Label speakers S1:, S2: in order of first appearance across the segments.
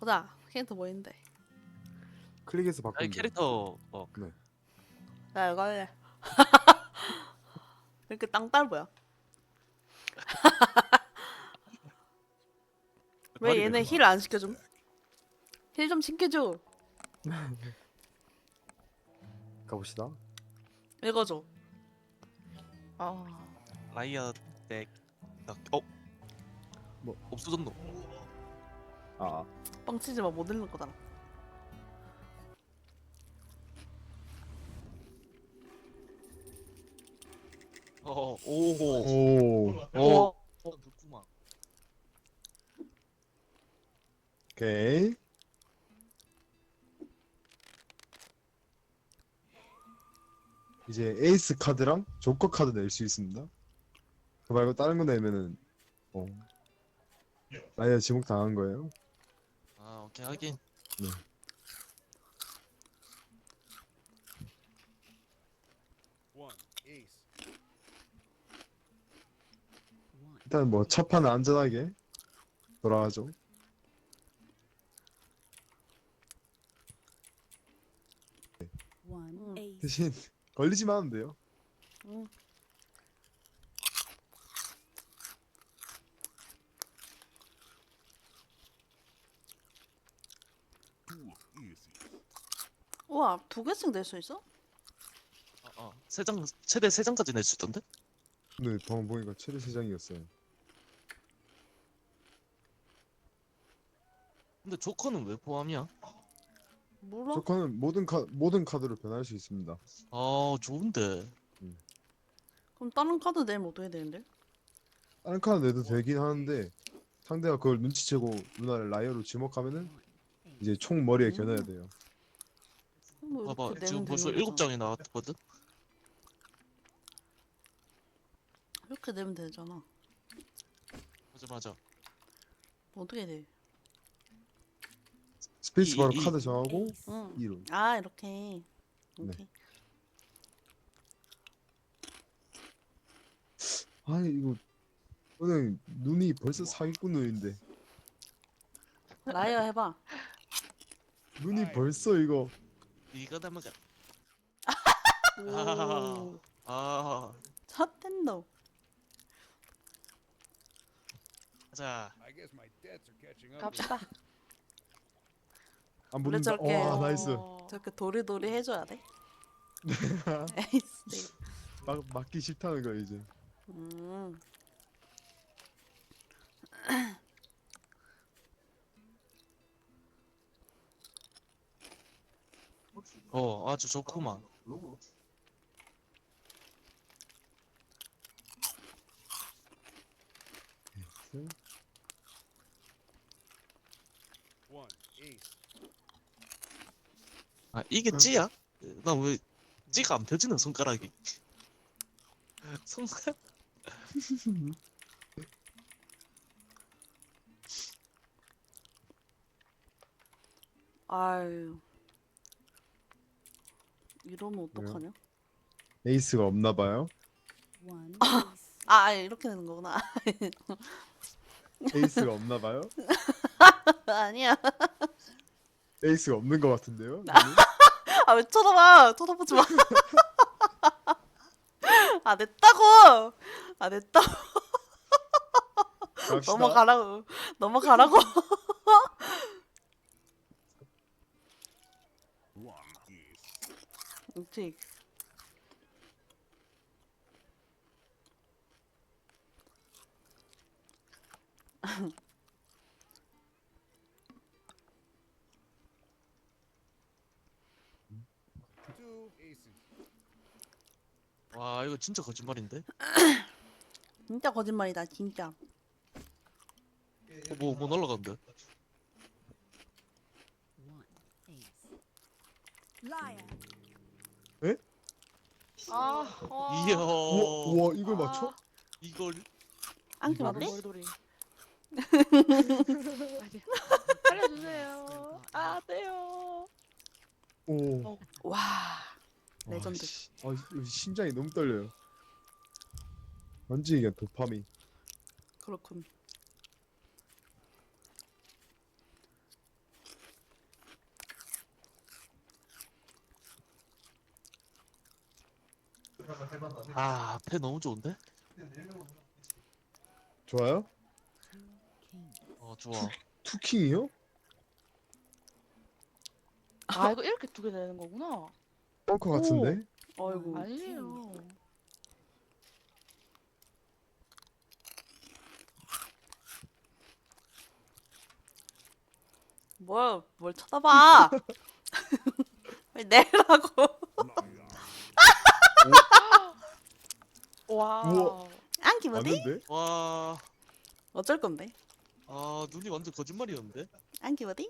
S1: 보자. 캐릭터 뭐 있는데?
S2: 클릭해서
S3: 아니
S2: 바꾸면 돼.
S3: 캐릭터
S2: 네.
S1: 나 이거 할래. 이렇게 땅딸보야. 왜 얘네 힐 안 시켜줌? 힐 좀 시켜줘.
S2: 가봅시다.
S1: 읽어줘. 아,
S3: 라이어 덱
S2: 뭐?
S3: 없어졌노?
S2: 아,
S1: 뻥치지 마. 못 읽는 거잖아.
S3: 오호
S2: 오,
S3: 좋구만.
S2: 오케이. 이제 에이스 카드랑 조커 카드 낼 수 있습니다. 그 말고 다른 거 내면은 라이어 지목 당한 거예요.
S3: 아 오케이 하긴.
S2: 네. 일단 뭐 첫 판은 안전하게 돌아가죠. 대신 걸리지만 하면 돼요.
S1: 응. 우와, 2개씩 낼 수 있어?
S3: 세장 최대 3장까지 낼 수 있던데?
S2: 네, 방금 보니까 최대 3장이었어요.
S3: 근데 조커는 왜 포함이야?
S1: 몰라?
S2: 조커는 모든 카드로 변할 수 있습니다.
S3: 아 좋은데.
S1: 그럼 다른 카드 내면 어떻게 되는데?
S2: 다른 카드 내도 되긴 하는데 상대가 그걸 눈치채고 누나를 라이어로 지목하면은 이제 총 머리에 겨눠야 돼요.
S1: 뭐
S3: 봐봐
S1: 이렇게
S3: 지금
S1: 내면
S3: 벌써
S1: 되는
S3: 7장이 나왔거든?
S1: 이렇게 내면 되잖아.
S3: 맞아
S1: 뭐 어떻게 돼?
S2: 스페이스 바로
S3: 이.
S2: 카드 정하고
S1: 응.
S2: 2로.
S1: 아, 이렇게.
S2: 네.
S1: 오케이.
S2: 아니 이거 오늘 눈이 벌써 사기꾼 눈인데
S1: 라이어 해봐.
S2: 눈이 벌써 이거
S3: 이거 담아가.
S1: 오.
S3: 아
S1: 첫 텐더.
S3: 가자.
S1: 갑시다.
S2: 안
S1: 원래
S2: 붙는다.
S1: 저렇게
S2: 와 나이스.
S1: 저렇게 도리도리 해줘야 돼. 에이스.
S2: 맞기 싫다는 거야 이제.
S1: 음.
S3: 아주 좋구만. 아 이게 찌야? 나 왜 찌가 안 펴지는 손가락이? 손가락?
S1: 아유. 이러면 어떡하냐?
S2: 에이스가 없나 봐요.
S1: 아, 이렇게 되는 거구나.
S2: 에이스가 없나 봐요.
S1: 아니야.
S2: 에이스가 없는 것 같은데요. 눈이?
S1: 아, 왜 쳐다봐? 쳐다보지 마. 아, 냈다고. 아, 냈다고.
S2: 갑시다.
S1: 넘어가라고. 넘어가라고. 그렇지.
S3: 와 이거 진짜 거짓말인데?
S1: 진짜 거짓말이다, 진짜.
S3: 뭐 날라간대?
S2: 에?
S3: 이야.
S2: 우와 이걸 맞춰?
S3: 이걸
S1: 안기
S2: 이거를?
S1: 맞대?
S4: 머리돌이. 살려주세요. 아, 떼요.
S2: 오.
S1: 와, 레전드.
S2: 심장이 너무 떨려요. 완전 이게 도파민.
S1: 그렇군.
S3: 아, 패 너무 좋은데?
S2: 좋아요?
S3: 좋아.
S2: 투킹이요?
S4: 아 이거 이렇게 두 개 되는 거구나.
S2: 벙커 같은데?
S1: 어이구.
S4: 아니에요.
S1: 뭐야, 뭘 쳐다봐? 왜 내라고?
S4: 와.
S2: 우와.
S1: 안기 뭐지?
S2: 맞는데?
S3: 와,
S1: 어쩔 건데?
S3: 눈이 완전 거짓말이었는데?
S1: 안기 뭐지?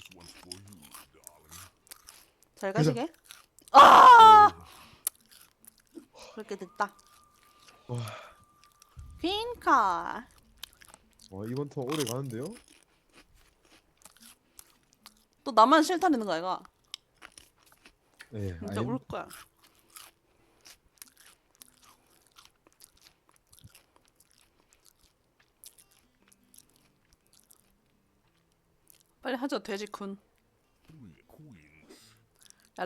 S1: 잘
S2: 가자.
S1: 가시게. 아! 그렇게 됐다.
S2: 와.
S1: 퀸카.
S2: 와 이번 턴 오래 가는데요?
S1: 또 나만 실타리는 거야, 이거.
S2: 네.
S1: 진짜 울 거야. 빨리 하죠, 돼지군. 야,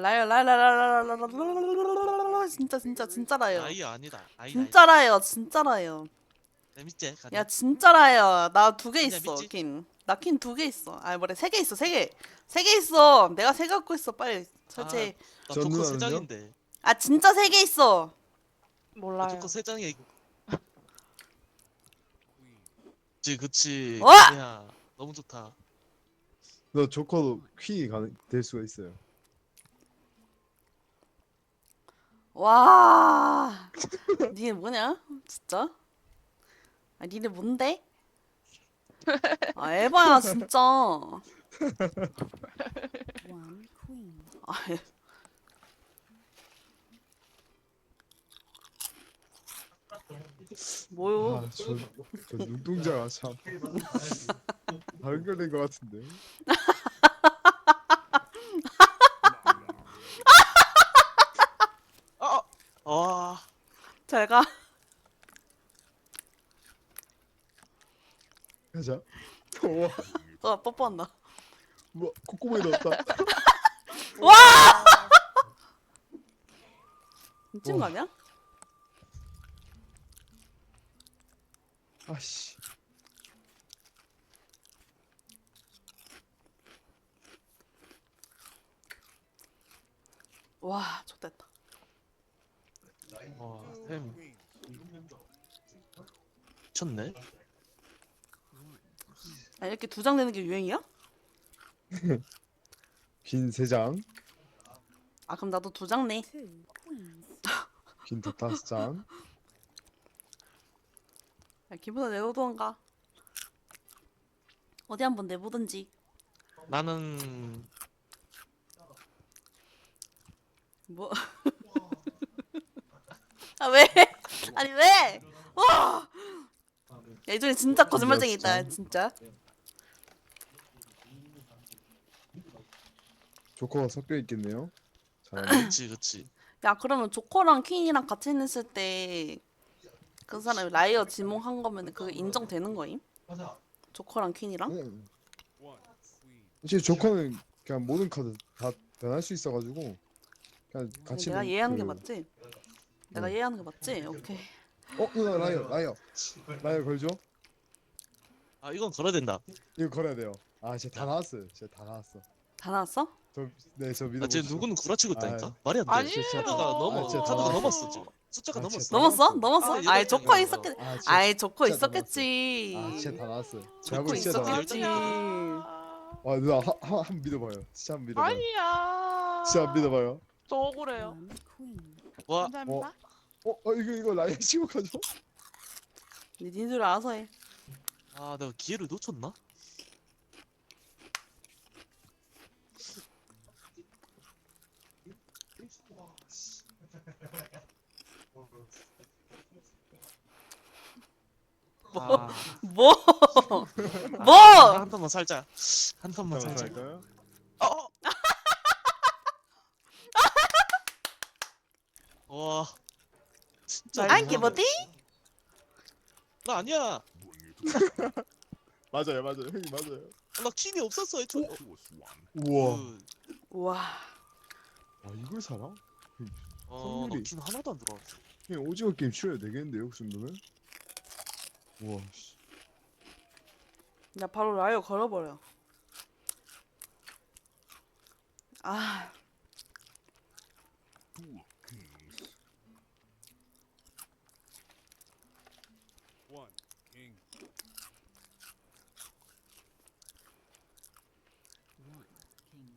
S1: 라요, 진짜라요.
S3: 아이 아니다. 아이
S1: 진짜라요, 진짜라요.
S3: 재밌지? 가자.
S1: 야, 진짜라요. 나 2개
S3: 진짜
S1: 있어,
S3: 믿지?
S1: 킨. 나 킨 2개 있어. 아, 뭐래, 3개 있어, 3개. 3개 있어. 내가 3개 갖고 있어, 빨리. 설치.
S3: 나
S2: 전
S3: 조커
S2: 누나는요?
S3: 3장인데.
S1: 아, 진짜 3개 있어.
S3: 나
S4: 몰라요.
S3: 조커 3장이야 이거. 그치.
S1: 와!
S3: 야, 너무 좋다.
S2: 너 조커도 퀸이 될 수가 있어요.
S1: 와. 니네 뭐냐? 진짜? 아, 니네 뭔데? 아, 에바야, 진짜. 아, 뭐요?
S2: 저 눈동자가 참 다른 걸된것 같은데.
S3: 와,
S1: 잘 가.
S2: 가자. 우와,
S1: 너 뽀뽀한다.
S2: 우와 콧구멍에 넣었다.
S1: 미친 거 아니야?
S2: 아씨.
S1: 와, 좋됐다.
S3: 와, 템 미쳤네.
S1: 아, 이렇게 2장 내는 게 유행이야?
S2: 빈 3장,
S1: 아, 그럼 나도 2장 내.
S2: 빈 5장.
S1: 야, 기분은 내보던가. 어디 한번 내보든지.
S3: 나는
S1: 뭐? 아, 왜? 아니, 왜? 와! 야, 이 중에 진짜 거짓말쟁이 있다, 진짜.
S2: 조커가 섞여 있겠네요. 잘하네.
S3: 그치.
S1: 야, 그러면 조커랑 퀸이랑 같이 했을 때 그 사람이 라이어 지목한 거면 그게 인정되는 거임? 조커랑 퀸이랑?
S2: 그냥 사실 조커는 그냥 모든 카드 다 변할 수 있어가지고 그냥 같이.
S1: 내가 이해하는 게 맞지? 내가 이해하는 게 맞지? 오케이.
S2: 누나 라이어 걸죠?
S3: 아, 이건 걸어야 된다.
S2: 이거 걸어야 돼요. 아 진짜 다 나왔어요. 진짜 다 나왔어.
S1: 다 나왔어?
S2: 저 믿어.
S3: 아, 지금 누구는 구라치고 있다니까?
S2: 아,
S3: 말이 안 돼.
S4: 아니에요.
S3: 카드가 넘었어 지금. 숫자가
S2: 아,
S3: 넘었어.
S2: 진짜.
S1: 넘었어? 넘었어?
S3: 아,
S1: 아이,
S3: 이거
S1: 조커
S3: 이거.
S1: 있었겠.
S2: 아, 진짜,
S1: 아이, 조커
S2: 진짜
S1: 있었겠지.
S2: 아 진짜 다 나왔어요.
S1: 조커
S2: 제가 진짜 다 나왔어요.
S1: 있었겠지.
S2: 와 누나 한번 믿어봐요. 진짜 한번 믿어봐요.
S4: 아니야.
S2: 진짜 한번 믿어봐요.
S4: 저 억울해요.
S3: 와,
S4: 감사합니다.
S2: 이거 라이어 지목하죠?
S1: 니들 알아서 해.
S3: 아, 내가 기회를 놓쳤나? 아,
S1: 뭐? 뭐?
S3: 한 턴만 살자. 한 턴만 살자.
S2: 할까요?
S3: 어! 와, 진짜.
S1: 안기 뭐지?
S3: 나 아니야.
S2: 맞아요. 형님 맞아요.
S3: 나 퀸이 없었어 애초에.
S2: 우와.
S3: 그,
S1: 우와.
S2: 와 이걸 사나?
S3: 나
S2: 확률이.
S3: 퀸 하나도 안 들어왔어.
S2: 그냥 오징어 게임 치러야 되겠는데요, 그 정도면? 우와, 씨.
S1: 야 바로 라이어 걸어버려. 아
S5: One king.
S6: One king.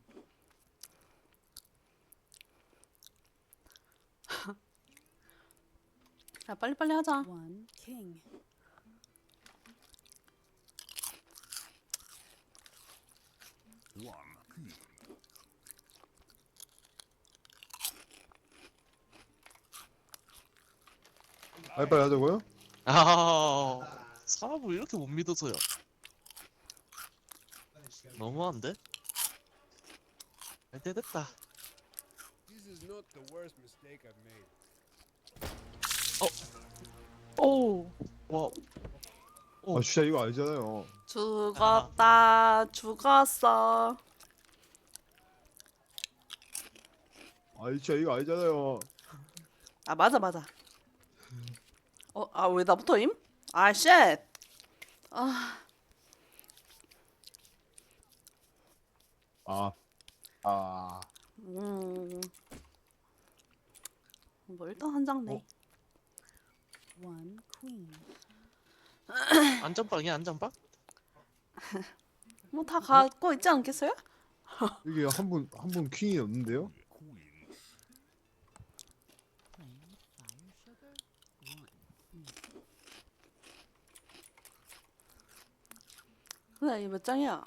S1: 야 빨리빨리 하자.
S6: One king.
S5: One queen.
S2: 빨리빨리 하자고요?
S3: 사람을 이렇게 못 믿어서요. 너무한데? 잘 됐다.
S5: This is not the worst mistake I've made.
S4: 오.
S3: 와,
S2: 아, 진짜 이거 알잖아요.
S1: 죽었다. 죽었어.
S2: 아, 진짜 이거 알잖아요.
S1: 아 맞아 맞아. 아 왜 나부터임? 아 쉣. 아
S2: 아, 아,
S1: 뭐 일단 한 장 내.
S6: One queen.
S3: 안전빵이야, 안전빵?
S1: 뭐 다 갖고 있지 않겠어요?
S2: 이게 한 분 퀸이 없는데요?
S5: Queens.
S6: Plain fire sugar. One.
S1: 근데 이몇 장이야?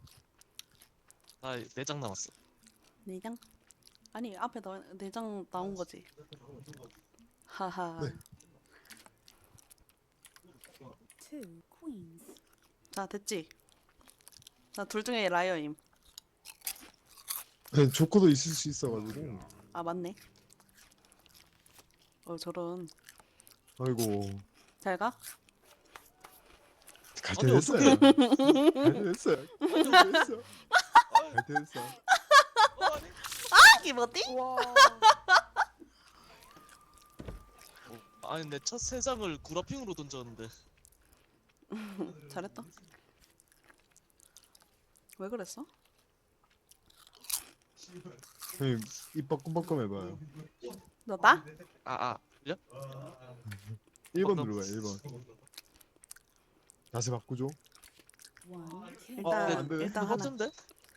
S3: 나 4장 남았어.
S1: 네 장? 아니 앞에 네 장 나온 거지. 하하.
S2: 네.
S6: Two queens.
S1: 자 됐지. 자 둘 중에 라이어임.
S2: 네, 조커도 있을 수 있어가지고.
S1: 아 맞네. 저런.
S2: 아이고,
S1: 잘 가.
S2: 갈
S3: 아니,
S2: 때 됐어요. 갈 때 됐어요. 갈 때 됐어. 갈 때 됐어.
S1: 이게 뭐지?
S4: 와.
S3: 아니, 내 첫 3장을 구라핑으로 던졌는데.
S1: 잘했다. 왜 그랬어?
S2: 형님, 입 빠끔빠끔 해봐요.
S1: 너다?
S3: 그래?
S2: 1번 눌러봐요, 1번. 자세 바꾸죠.
S6: One king.
S1: 일단
S2: 안 되네.
S1: 일단
S3: 그거
S1: 하나.
S3: 같은데?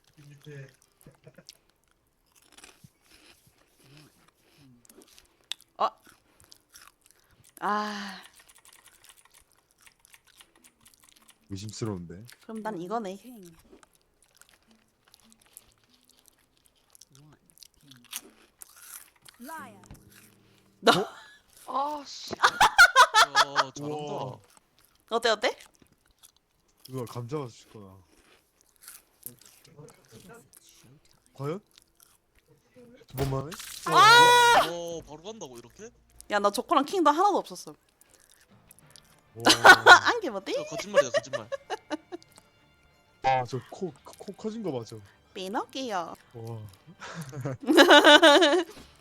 S1: 아
S2: 의심스러운데.
S1: 그럼 난 이거네.
S6: King. One king. Liar.
S4: 아 씨.
S3: 야, 잘한다.
S2: 우와.
S1: 어때 어때?
S2: 누가 감자가 줄 거야. 과연? 두 번만 해?
S3: 바로 간다고, 이렇게?
S1: 야 나 조커랑 킹도 하나도 없었어.
S2: 와.
S1: 안게 뭐지?
S3: 저 거짓말이야, 거짓말.
S2: 아, 저 코 커진 거 맞죠?
S1: 피노키오.
S2: 와.